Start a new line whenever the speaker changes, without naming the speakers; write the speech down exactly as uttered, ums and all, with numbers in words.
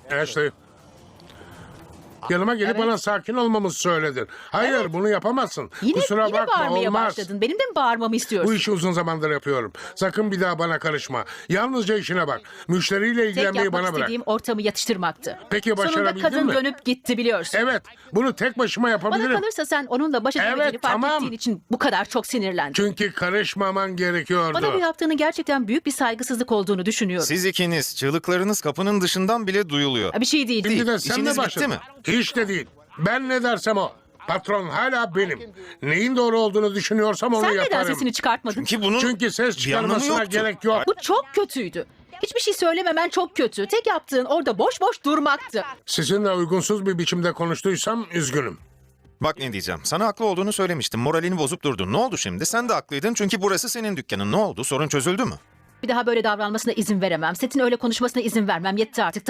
Ashley. Yanıma gelip bana sakin olmamızı söyledin. Hayır, bunu yapamazsın.
Yine,
Kusura
yine
bakma,
bağırmaya
olmaz.
başladın. Benim de mi bağırmamı istiyorsun?
Bu işi uzun zamandır yapıyorum. Sakın bir daha bana karışma. Yalnızca işine bak. Müşteriyle
Tek
ilgilenmeyi
yapmak
bana bırak.
istediğim ortamı yatıştırmaktı.
Peki
Sonunda
başarabildin
kadın
mi?
dönüp gitti biliyorsun.
Evet, bunu tek başıma
Bana
yapabilirim.
kalırsa sen onunla baş edemediğini
Evet,
fark
tamam.
ettiğin için bu kadar çok sinirlendin.
Çünkü karışmaman gerekiyordu.
Bana bu yaptığını gerçekten büyük bir saygısızlık olduğunu düşünüyorum.
Siz ikiniz, çığlıklarınız kapının dışından bile duyuluyor.
Bir şey değil.
Şimdi de sen
İşiniz
de
bitti
başladın.
mi?
Hiç de değil. Ben ne dersem o. Patron hala benim. Neyin doğru olduğunu düşünüyorsam onu
Sen neden
yaparım.
sesini çıkartmadın?
Ki bunun
Çünkü ses
bir anlamı
çıkarmasına
yoktu.
gerek yok.
Bu çok kötüydü. Hiçbir şey söylememen çok kötü. Tek yaptığın orada boş boş durmaktı.
Sizinle uygunsuz bir biçimde konuştuysam üzgünüm.
Bak ne diyeceğim. Sana haklı olduğunu söylemiştim. Moralini bozup durdun. Ne oldu şimdi? Sen de haklıydın çünkü burası senin dükkanın. Ne oldu? Sorun çözüldü mü?
Bir daha böyle davranmasına izin veremem. Setin öyle konuşmasına izin vermem. Yetti artık.